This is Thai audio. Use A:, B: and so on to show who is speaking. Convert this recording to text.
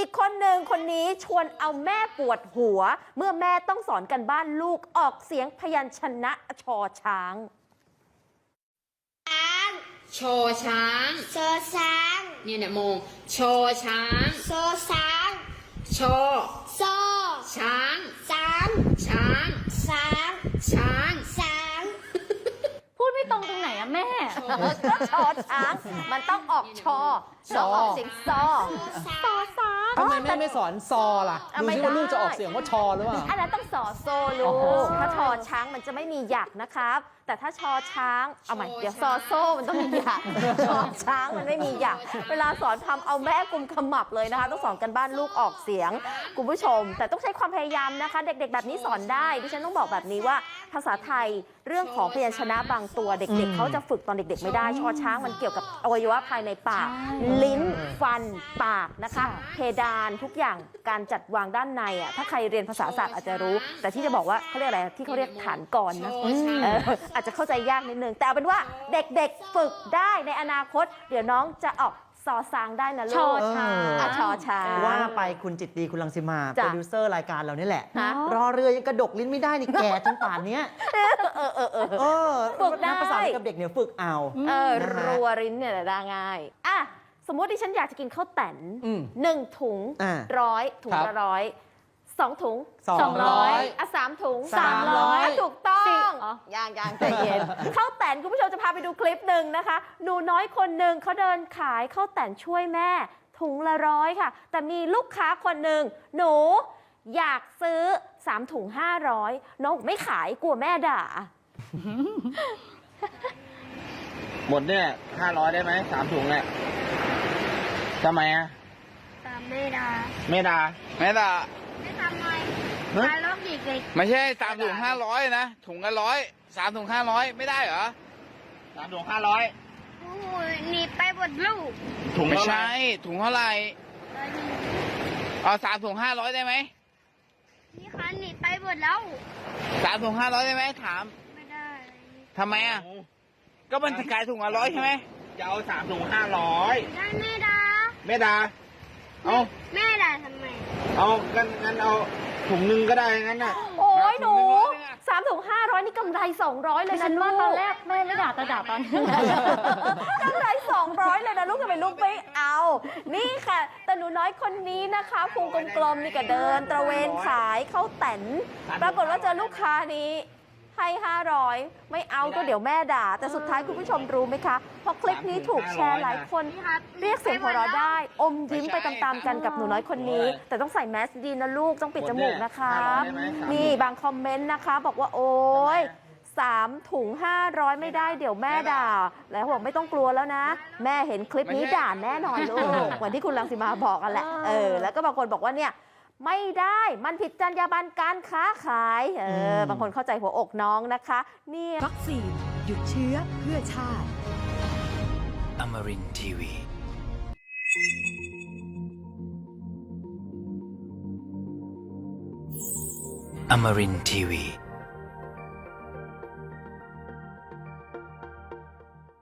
A: กคนหนึ่งคนนี้ชวนเอาแม่ปวดหัว เมื่อแม่ต้องสอนกันบ้านลูกออกเสียงพยัญชนะชอช้าง
B: ชอช้าง
C: ชอช้าง
B: เนี่ยโมงชอช้าง
C: ชอช้าง
B: ชอ
C: ชอ
B: ช้าง
C: ช้าง
B: ช้าง
C: ช้าง
B: ช้าง
C: ช้าง
D: พูดไม่ตรงตรงไหนอะแม่
A: ก็ชอช้างมันต้องออกชอแล้วออกเสียงซอช้าง
E: ทำไมแม่ไม่สอนซอล่ะ ดูซิว่าลูกจะออกเสียงว่าชอหรือเปล่า
A: อันนั้นต้องสอโซลูกถ้าชอช้างมันจะไม่มีหยักนะครับ แต่ถ้าชอช้างเอาใหม่เดี๋ยวซอโซมันต้องมีหยักชอช้างมันไม่มีหยักเวลาสอนทำเอาแม่กุมขมับเลยนะคะต้องสอนกันบ้านลูกออกเสียงคุณผู้ชมแต่ต้องใช้ความพยายามนะคะเด็กๆแบบนี้สอนได้ดิฉันต้องบอกแบบนี้ว่าภาษาไทยเรื่องของพยัญชนะบางตัวเด็กๆเขาจะฝึกตอนเด็กๆไม่ได้ชอช้างมันเกี่ยวกับอวัยวะภายในปากลิ้นฟันปากนะคะเพดานทุกอย่างการจัดวางด้านในอ่ะถ้าใครเรียนภาษาศาสตร์อาจจะรู้แต่ที่จะบอกว่าเขาเรียกอะไรที่เขาเรียกฐานกรนะอาจจะเข้าใจยากนิดนึงแต่เอาเป็นว่าเด็กๆฝึกได้ในอนาคตเดี๋ยวน้องจะออกซอซางได้นะลูก
D: ชอช้าง
A: ชอช้าง
E: ว่าไปคุณจิตดีคุณรังสิมาโป
A: จ้ะ
E: รดิวเซอร์รายการเรานี่แหละ
A: ฮะ
E: รอเรือยังกระดกลิ้นไม่ได้นี่แก่จนป่านเนี้ย
A: ฝึกได้
E: ภาษากับเด็กเนี่ยฝึกเอา นะฮะ
A: รัวริ้นเนี่ยได้ง่ายอ่ะสมมติดิฉันอยากจะกินข้าวแตน
E: อืม
A: 1 ถุง
E: อ่า
A: 100 ถุง
E: ครับ
A: ละ100 2 ถุง
E: 200
A: อ่ะ3 ถุง
E: 300
A: อ่ะถูกต้อง
D: อ๋อ
A: ยังใจเย็น ข้าวแตนคุณผู้ชมจะพาไปดูคลิปหนึ่งนะคะ หนูน้อยคนหนึ่งเขาเดินขายข้าวแตนช่วยแม่ ถุงละ100ค่ะ แต่มีลูกค้าคนหนึ่งหนูอยากซื้อ3 ถุง 500น้องไม่ขายกลัวแม่ด่า
F: หมดเนี่ย500ได้ไหม3 ถุงเนี่ยทำไมอ่ะ
C: ตามไม่ได้
F: ไม่ด่า
G: ไม่ด่า
C: ไม่ทำไม
F: ฮะ
C: ขายรอบอีกเลย
G: ไม่ใช่3 ถุง 500นะถุงละ100 3 ถุง 500 ไม่ได้เหรอ
F: 3 ถุง
C: โอ้โหหนีไปหมดลูก
F: 500ถุง
G: ไม่
F: เท่าไหร่
G: ใช่ถุงเท่าไหร่เอา3 ถุง 500ได้ไหม
C: นี่ค่ะหนีไปหมดแล้ว
G: 3 ถุง 500ได้ไหมถาม
C: ไม่ได้
G: ทำไมอ่ะก็มันขายถุงละ100ใช่ไหม
F: จะเอา3 ถุง
C: ได้ไม่ได้
F: 500ไม่ด่าเอา
C: แม่ด่าทำไม
F: เอางั้นเอาถุงหนึงก็ได้งั้นน่ะ
A: โอ้ยหนู3 ถุง 500นี่กำไร200เลย
D: ฉั
A: นะ
D: น
A: ลู
D: ว่าก ตอนแรกแม่ไม่ด่าแต่ด่าตอนนี้
A: กำไร200เลยนะลูกทำไมลูกไม่เอา นี่ค่ะ แต่หนูน้อยคนนี้นะคะพุงกลมๆนี่ก็เดินตระเวนขายข้าวแตนปรากฏว่าเจอลูกค้านี้ให้500ไม่เอาก็เดี๋ยวแม่ด่า แต่สุดท้ายคุณผู้ชมรู้ไหมคะพอคลิปนี้ถูกแชร์หลายคนเรียกเสียงหัวเราะได้ อมยิ้มไปตามๆกันกับหนูน้อยคนนี้ แต่ต้องใส่แมสดีนะลูกต้องปิดจมูกนะคะนี่บางคอมเมนต์นะคะ บอกว่าโอ๊ย3 ถุง 500ไม่ได้เดี๋ยวแม่ด่า แล้วบอกไม่ต้องกลัวแล้วนะ แม่เห็นคลิปนี้ด่าแน่นอนลูกเหมือนที่คุณรังสิมาบอกกันแหละแล้วก็บางคนบอกว่าเนี่ยไม่ได้มันผิดจรรยาบรรณการค้าขายบางคนเข้าใจหัวอกน้องนะคะนี่
H: วัคซีนหยุดเชื้อเพื่อชาติ
I: Amarin Tiwi. Amarin Tiwi.